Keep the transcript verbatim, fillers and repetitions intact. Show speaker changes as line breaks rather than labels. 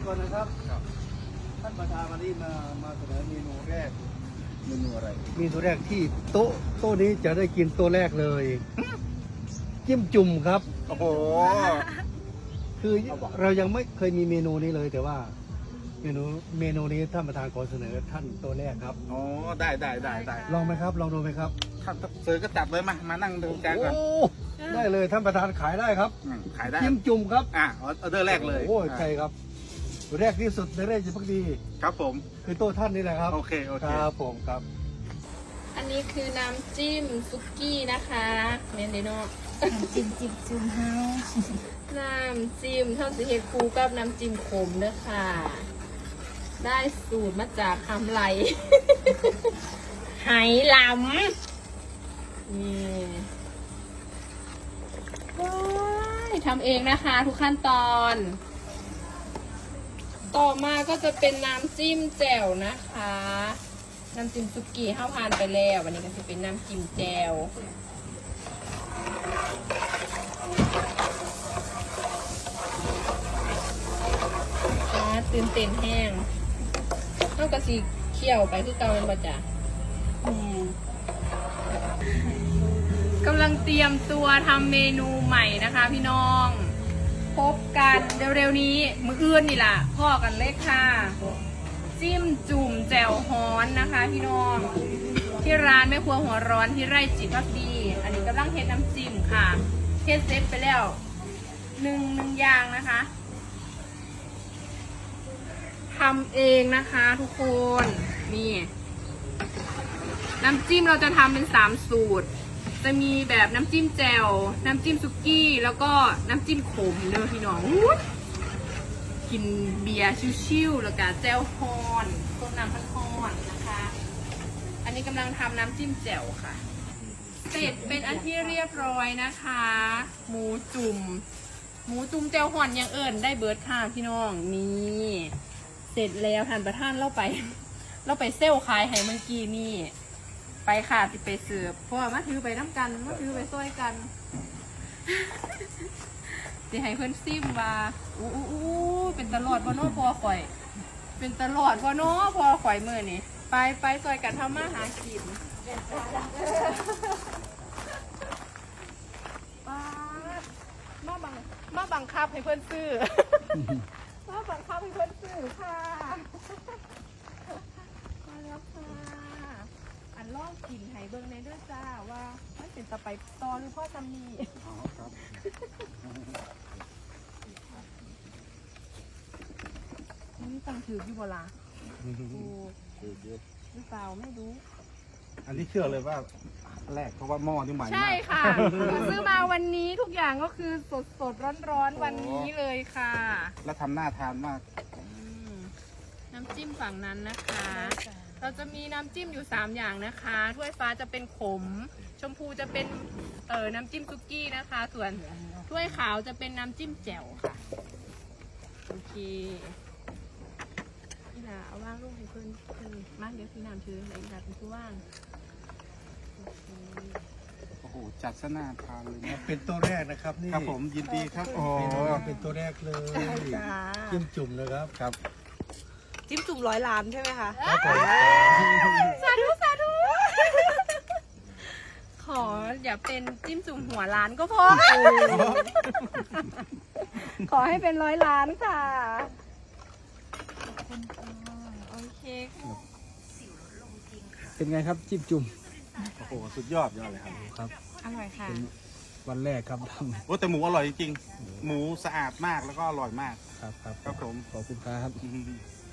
ก่อนนะครับท่านประธานวันนี้มามาเสนอเมนูแรกเมนูอะไรเมนูแรกที่โต๊ะโต๊ะนี้จะได้กินโต๊ะแรกเลยจิ้มจุ่มครับโอ้โหคือเรายังไม่เคยมีเมนูนี้เลยแต่ว่าเมนูเมนูนี้ท่านประธานขอเสนอท่านโต๊ะแรกครับ
อ๋อได้ได้ได้ได้
ลองไหมครับลองดูไหมครับ
ท่านเสือก็จับเลยมามานั่งดูกันก่อน
ได้เลยท่านประธานขายได้ครับ
ขายได้
จิ้มจุ่มครับ
อ่ะออเดอร์แรกเลย
โอ้ใช่ครับแรกที่สุดในเรื่องจิพักดี
ครับผม
คือโต๊ะท่านนี่แหละครับ
โอเคโอเค
ครับผมครับ
อันนี้คือน้ำจิ้มซุกี้นะคะเมนเดโน
น้ำจิ้มจิ้มจุ่มเฮา
น้ำจิ้มเท่าสีเฮดคูกับน้ำจิ้มขมเด้อค่ะได้สูตรมาจากทำไหลไหหลำนี่ว้ายทำเองนะคะทุกขั้นตอนต่อมาก็จะเป็นน้ำจิ้มแจ่วนะคะน้ำจิ้มซุกี้ข้าวผ่านไปแล้ววันนี้ก็จะเป็นน้ำจิ้มแจ่วตื่นเต้นแห้งนอกจากสีเขียวไปคือเกาเป็นประจ่ากำลังเตรียมตัวทำเมนูใหม่นะคะพี่น้องพบกันเร็วๆนี้มื้ออื่นนี่ล่ะพ่อกันเลยค่ะจิ้มจุ่มแจ่วฮ้อนนะคะพี่น้องที่ร้านแม่ครัวหัวร้อนที่ไร่จิตพักดีอันนี้กำลังเฮ็ดน้ำจิ้มค่ะเฮ็ดเสร็จไปแล้วหนึ่งหนึ่งอย่างนะคะทำเองนะคะทุกคนนี่น้ำจิ้มเราจะทำเป็นสามสูตรจะมีแบบน้ำจิ้มแจ่วน้ำจิ้มซุกี้แล้วก็น้ำจิ้มขมเด้อพี่น้องกินเบียร์ชิวๆแล้วก็แจ่วฮอนต้มน้ำพันฮอนนะคะอันนี้กำลังทำน้ำจิ้มแจ่วค่ะเสร็จเป็นอันที่เรียบร้อยนะคะหมูจุ่มหมูจุ่มแจ่วฮอนยังเอิญได้เบิร์ดค่ะพี่น้องนี่เสร็จแล้วท่านประธานเราไปเราไปเซลขายให้เมื่อกี้นี่ไปค่ะติไปเสิร์ฟเพราะว่ามาถือไปน้ำกันมาถือไปซ้อยกันสิให้เพื่อนซิมว่าอู้อู้อู้เป็นตลอดบ่เนาะพอข่อยเป็นตลอดบ่เนาะพอข่อยมือนี่ไปไปซอยกันทำมาหากินมาบังมาบังคับให้เพื่อนซื้อมาบังคับให้เพื่อนซื้อค่ะมาแล้วค่ะอันล่องกินไห้เบิ้งในด้วยจ้าว่ามันเป็นตะไปตอหรือพ่อจำมีอ๋อครับนี่ตังถืออยู่บ่ล่ะดูหรือเปล่าไม่รู้
อันนี้เชื่อเลยว่าแรกเพราะว่าหม้อนี่ใหม่มาก
ใช่ค่ะซื้อมาวันนี้ทุกอย่างก็คือสดสดร้อนร้อนวันนี้เลยค่ะ
แล้วทำหน้าทานมาก
น้ำจิ้มฝั่งนั้นนะคะเราจะมีน้ำจิ้มอยู่สามอย่างนะคะถ้วยฟ้าจะเป็นขมชมพูจะเป็นเอ่อน้ำจิ้มซุกี้นะคะส่วนถ้วยขาวจะเป็นน้ำจิ้มแจ่วค่ะโอเคนี่นะเอาว่างลูกให้เพื่อนเพื่อนมากเดี๋ยวพี่น้ำถืออะไรแบบเป็นผู้ว่าง
โอ้โหจัดซะน่าทานเลยนะ
เป็นตัวแรกนะครับนี่
ครับผมยินดีครับโอ้
เป็นตัวแรกเลยจิ้มจุ่มนะครับ
ครับ
จิ้มจุ่มร้อยล้านใช่ไหมคะ
ครับผม
สาธุสาธุขออย่าเป็นจิ้มจุ่มหัวล้านก็พอขอให้เป็นร้อยล้านค่ะโอเค
เป็นไงครับจิ้มจุ่ม
โอ้โหสุดยอดยอดเลยครับ
ครับ
อร่อยค่ะ
วันแรกครับทำ
โอ้แต่หมูอร่อยจริงหมูสะอาดมากแล้วก็อร่อยมาก
ครับครับ
ครับผม
ขอบคุณครับ